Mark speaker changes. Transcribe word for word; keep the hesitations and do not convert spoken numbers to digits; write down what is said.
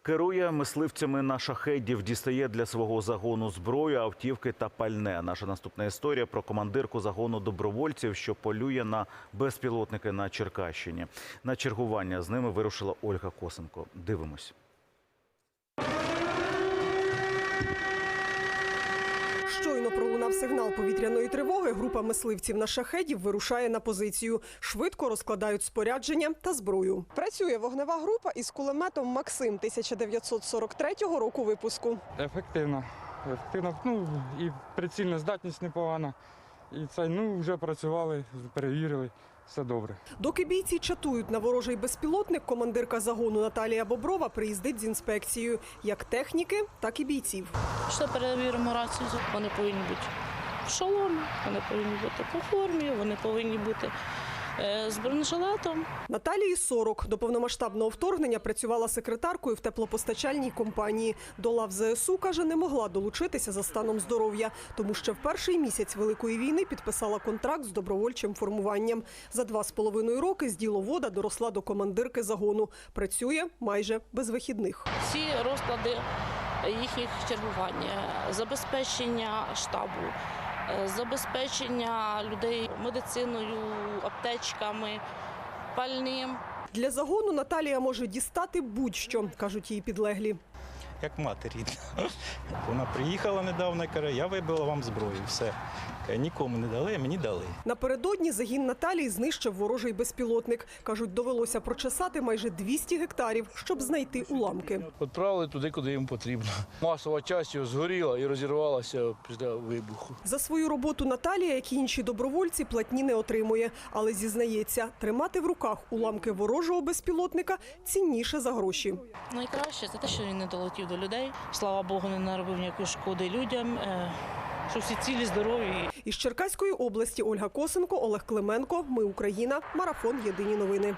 Speaker 1: Керує мисливцями на шахедів, дістає для свого загону зброю, автівки та пальне. Наша наступна історія про командирку загону добровольців, що полює на безпілотники на Черкащині. На чергування з ними вирушила Ольга Косенко. Дивимось.
Speaker 2: Щойно пролунав сигнал повітряної тривоги, група мисливців на шахедів вирушає на позицію. Швидко розкладають спорядження та зброю. Працює вогнева група із кулеметом «Максим» тисяча дев'ятсот сорок третього року випуску.
Speaker 3: Ефективно. Ефективно. Ну, і прицільна здатність непогана. І це, ну, вже працювали, перевірили. Все добре.
Speaker 2: Доки бійці чатують на ворожий безпілотник, командирка загону Наталія Боброва приїздить з інспекцією. Як техніки, так і бійців.
Speaker 4: Що перевіримо рацію, вони повинні бути в шоломі, вони повинні бути по формі, вони повинні бути з бронежилетом.
Speaker 2: Наталії сорок. До повномасштабного вторгнення працювала секретаркою в теплопостачальній компанії. До лав ЗСУ, каже, не могла долучитися за станом здоров'я, тому що в перший місяць Великої війни підписала контракт з добровольчим формуванням. За два з половиною роки з діловода доросла до командирки загону. Працює майже без вихідних.
Speaker 4: Всі розклади їхніх чергувань, забезпечення штабу, забезпечення людей медициною, аптечками, пальним.
Speaker 2: Для загону Наталія може дістати будь-що, кажуть її підлеглі.
Speaker 5: Як мати рідна. Вона приїхала недавно і каже, я вибила вам зброю, все. Нікому не дали, а мені дали.
Speaker 2: Напередодні загін Наталії знищив ворожий безпілотник. Кажуть, довелося прочесати майже двісті гектарів, щоб знайти уламки.
Speaker 6: Відправили туди, куди їм потрібно. Масова частина згоріла і розірвалася після вибуху.
Speaker 2: За свою роботу Наталія, як і інші добровольці, платні не отримує. Але зізнається, тримати в руках уламки ворожого безпілотника цінніше за гроші.
Speaker 4: Найкраще – це те, що він не долетів до людей. Слава Богу, не наробив ніякої шкоди людям. Що всі цілі, здорові.
Speaker 2: Із Черкаської області Ольга Косенко, Олег Клименко. Ми Україна. Марафон. Єдині новини.